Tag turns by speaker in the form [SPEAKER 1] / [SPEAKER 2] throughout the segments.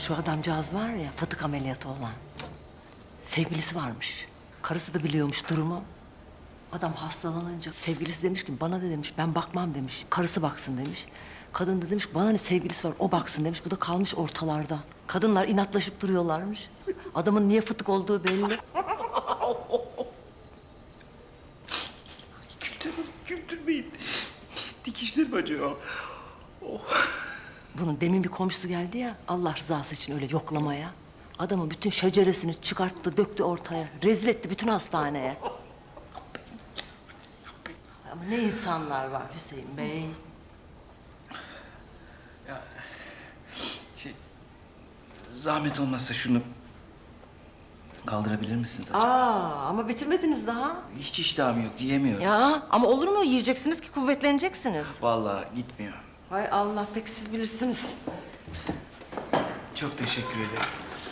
[SPEAKER 1] Şu adamcağız var ya, fıtık ameliyatı olan. Sevgilisi varmış. Karısı da biliyormuş durumu. Adam hastalanınca sevgilisi demiş ki bana ne demiş, ben bakmam demiş. Karısı baksın demiş. Kadın da demiş ki bana ne sevgilisi var, o baksın demiş. Bu da kalmış ortalarda. Kadınlar inatlaşıp duruyorlarmış. Adamın niye fıtık olduğu belli.
[SPEAKER 2] Güldürmeyin. Dikişlerim acıyor.
[SPEAKER 1] Bunun demin bir komşusu geldi ya, Allah rızası için öyle yoklamaya. Adamın bütün şeceresini çıkarttı, döktü ortaya. Rezil etti bütün hastaneye. Ama ne insanlar var Hüseyin Bey.
[SPEAKER 2] Zahmet olmazsa şunu kaldırabilir misiniz acaba?
[SPEAKER 1] Ama bitirmediniz daha.
[SPEAKER 2] Hiç iştahım yok, yiyemiyorum.
[SPEAKER 1] Ya ama olur mu? Yiyeceksiniz ki kuvvetleneceksiniz.
[SPEAKER 2] Vallahi gitmiyor.
[SPEAKER 1] Hay Allah, pek siz bilirsiniz.
[SPEAKER 2] Çok teşekkür ederim.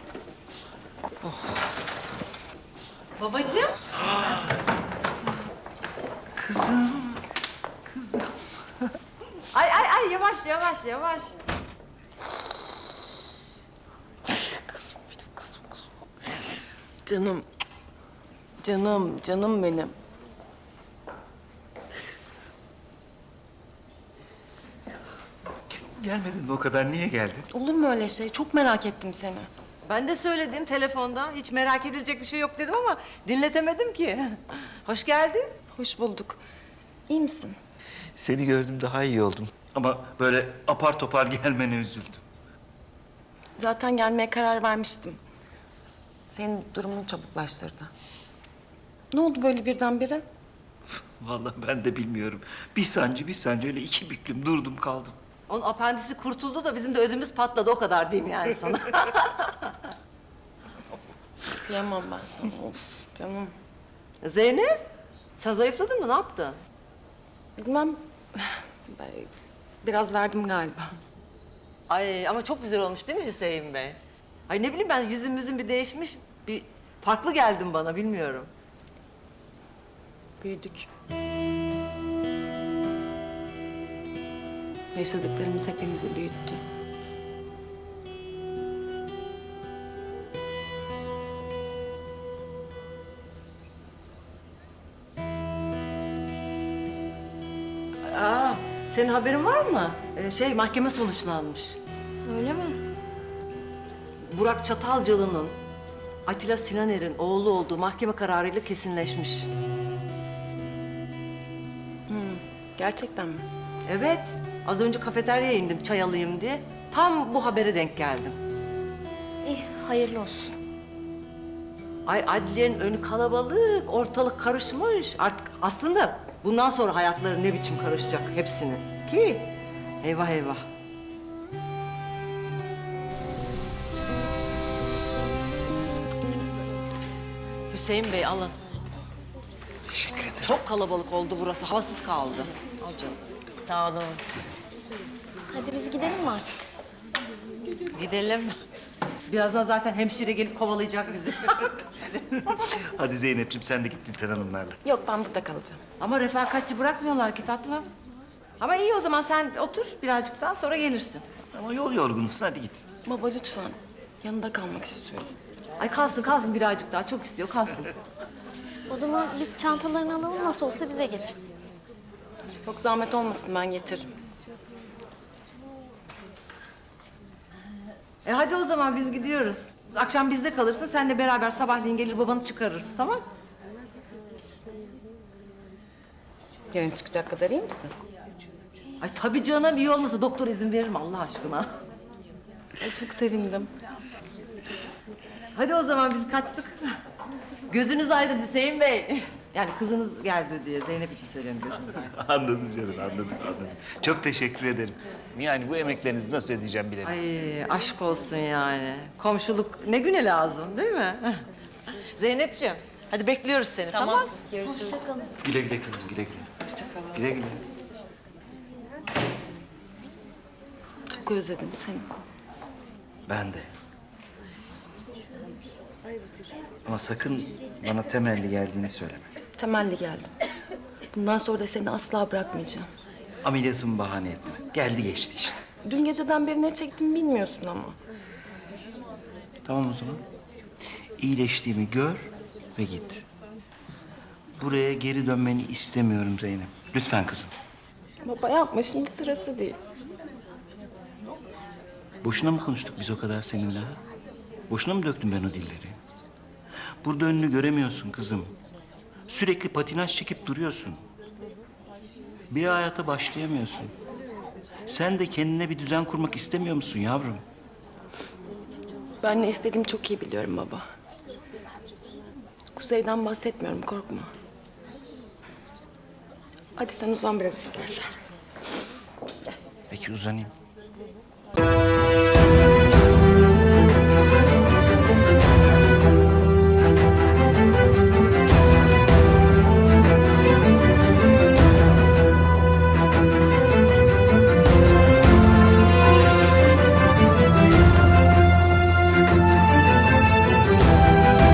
[SPEAKER 3] Babacığım.
[SPEAKER 2] Kızım.
[SPEAKER 1] Ay yavaş yavaş.
[SPEAKER 3] Canım. Canım benim.
[SPEAKER 2] Gelmedin mi o kadar? Niye geldin?
[SPEAKER 3] Olur mu öyle şey? Çok merak ettim seni.
[SPEAKER 1] Ben de söyledim telefonda. Hiç merak edilecek bir şey yok dedim ama dinletemedim ki. Hoş geldin.
[SPEAKER 3] Hoş bulduk. İyi misin?
[SPEAKER 2] Seni gördüm daha iyi oldum. Ama böyle apar topar gelmene üzüldüm.
[SPEAKER 3] Zaten gelmeye karar vermiştim. Senin durumunu çabuklaştırdı. Ne oldu böyle birdenbire?
[SPEAKER 2] Vallahi ben de bilmiyorum. Bir sancı öyle iki büklüm durdum kaldım.
[SPEAKER 1] Onun apendisi kurtuldu da bizim de ödümüz patladı, o kadar diyeyim yani sana.
[SPEAKER 3] Kıyamam ben sana. Of canım.
[SPEAKER 1] Zeynep, sen zayıfladın mı? Ne yaptın?
[SPEAKER 3] Bilmem. Ben biraz verdim galiba.
[SPEAKER 1] Ay ama çok güzel olmuş değil mi Hüseyin Bey? Ay ne bileyim ben, yüzümüzün bir değişmiş, bir farklı geldin bana, bilmiyorum.
[SPEAKER 3] Büyüdük. Yaşadıklarımız hepimizi büyüttü.
[SPEAKER 1] Senin haberin var mı? Mahkeme sonuçlanmış.
[SPEAKER 4] Öyle mi?
[SPEAKER 1] Burak Çatalcalı'nın Atilla Sinaner'in oğlu olduğu mahkeme kararıyla kesinleşmiş.
[SPEAKER 3] Gerçekten mi?
[SPEAKER 1] Evet, az önce kafeteryaya indim çay alayım diye. Tam bu habere denk geldim.
[SPEAKER 4] İyi, hayırlı olsun.
[SPEAKER 1] Ay adliyenin önü kalabalık, ortalık karışmış. Artık aslında bundan sonra hayatları ne biçim karışacak hepsinin. Ki eyvah eyvah. Hüseyin Bey alın.
[SPEAKER 2] Teşekkür ederim.
[SPEAKER 1] Çok kalabalık oldu burası, havasız kaldı. Al canım. Sağ olun.
[SPEAKER 4] Hadi biz gidelim mi artık?
[SPEAKER 1] Gidelim. Birazdan zaten hemşire gelip kovalayacak bizi.
[SPEAKER 2] Hadi Zeynep'ciğim sen de git Gülten Hanımlarla.
[SPEAKER 3] Yok ben burada kalacağım.
[SPEAKER 1] Ama refakatçi bırakmıyorlar ki tatlım. Ama iyi, o zaman sen otur birazcık daha, sonra gelirsin.
[SPEAKER 2] Ama yol yorgunusun hadi git.
[SPEAKER 3] Baba lütfen. Yanında kalmak istiyorum.
[SPEAKER 1] Ay kalsın birazcık daha, çok istiyor, kalsın.
[SPEAKER 4] O zaman biz çantalarını alalım, nasıl olsa bize gelirsin.
[SPEAKER 3] Çok zahmet olmasın ben getiririm.
[SPEAKER 1] Hadi o zaman biz gidiyoruz. Akşam bizde kalırsın, senle beraber sabahleyin gelir babanı çıkarırız, tamam?
[SPEAKER 3] Yarın çıkacak kadar iyi misin?
[SPEAKER 1] Ay tabii canım, iyi olmasa doktor izin verir mi Allah aşkına?
[SPEAKER 3] Ay, çok sevindim.
[SPEAKER 1] Hadi o zaman biz kaçtık. Gözünüz aydın Hüseyin Bey. Yani kızınız geldi diye Zeynep için söylüyorum, gözünüz aydın.
[SPEAKER 2] Anladım canım anladım. Çok teşekkür ederim. Yani bu emeklerinizi nasıl ödeyeceğim bilemiyorum.
[SPEAKER 1] Ay aşk olsun yani. Komşuluk ne güne lazım değil mi? Zeynepciğim, hadi bekliyoruz seni, tamam?
[SPEAKER 3] Görüşürüz.
[SPEAKER 2] Güle güle kızım güle güle. Güle güle.
[SPEAKER 3] Çok özledim seni.
[SPEAKER 2] Ben de. Ama sakın bana temelli geldiğini söyleme.
[SPEAKER 3] Temelli geldim. Bundan sonra da seni asla bırakmayacağım.
[SPEAKER 2] Ameliyatımı bahane etme. Geldi geçti işte.
[SPEAKER 3] Dün geceden beri ne çektim bilmiyorsun ama.
[SPEAKER 2] Tamam o zaman. İyileştiğimi gör ve git. Buraya geri dönmeni istemiyorum Zeynep. Lütfen kızım.
[SPEAKER 3] Baba yapma, şimdi sırası değil.
[SPEAKER 2] Boşuna mı konuştuk biz o kadar seninle? Ha? Boşuna mı döktüm ben o dilleri? Burada önünü göremiyorsun kızım. Sürekli patinaj çekip duruyorsun. Bir hayata başlayamıyorsun. Sen de kendine bir düzen kurmak istemiyor musun yavrum?
[SPEAKER 3] Ben ne istediğimi çok iyi biliyorum baba. Kuzey'den bahsetmiyorum, korkma. Hadi sen uzan biraz istersen.
[SPEAKER 2] Peki uzanayım.